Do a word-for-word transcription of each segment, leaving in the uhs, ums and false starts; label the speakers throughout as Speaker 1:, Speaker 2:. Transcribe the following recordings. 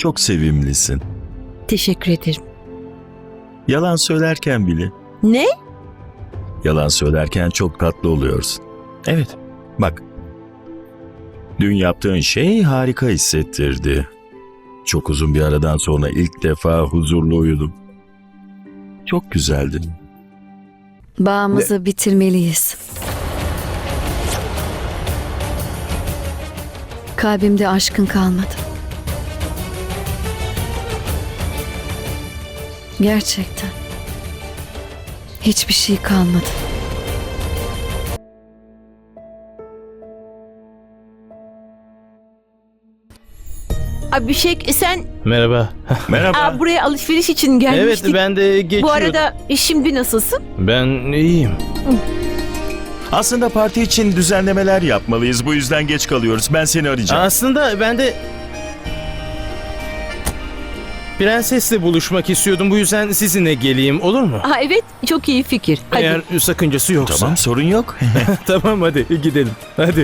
Speaker 1: Çok sevimlisin.
Speaker 2: Teşekkür ederim.
Speaker 1: Yalan söylerken bile.
Speaker 2: Ne?
Speaker 1: Yalan söylerken çok tatlı oluyorsun. Evet, bak. Dün yaptığın şey harika hissettirdi. Çok uzun bir aradan sonra ilk defa huzurlu uyudum. Çok güzeldi.
Speaker 3: Bağımızı bitirmeliyiz. Kalbimde aşkın kalmadı. Gerçekten. Hiçbir şey kalmadı.
Speaker 2: Abhishek sen
Speaker 4: Merhaba.
Speaker 1: Merhaba.
Speaker 2: aa, buraya alışveriş için
Speaker 4: Evet,
Speaker 2: gelmiştik.
Speaker 4: ben de geçiyordum.
Speaker 2: Bu arada şimdi nasılsın?
Speaker 4: Ben iyiyim.
Speaker 1: Aslında parti için düzenlemeler yapmalıyız. Bu yüzden geç kalıyoruz. Ben seni arayacağım.
Speaker 4: Aslında ben de prensesle buluşmak istiyordum. Bu yüzden sizinle geleyim, olur mu?
Speaker 2: Ha evet, çok iyi fikir. Hadi.
Speaker 4: Eğer sakıncası yoksa.
Speaker 1: Tamam, sorun yok.
Speaker 4: Tamam, hadi gidelim. Hadi.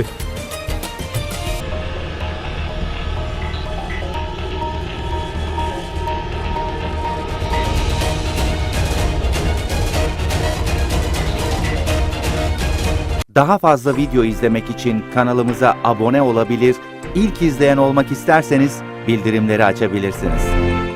Speaker 5: Daha fazla video izlemek için kanalımıza abone olabilir, ilk izleyen olmak isterseniz bildirimleri açabilirsiniz.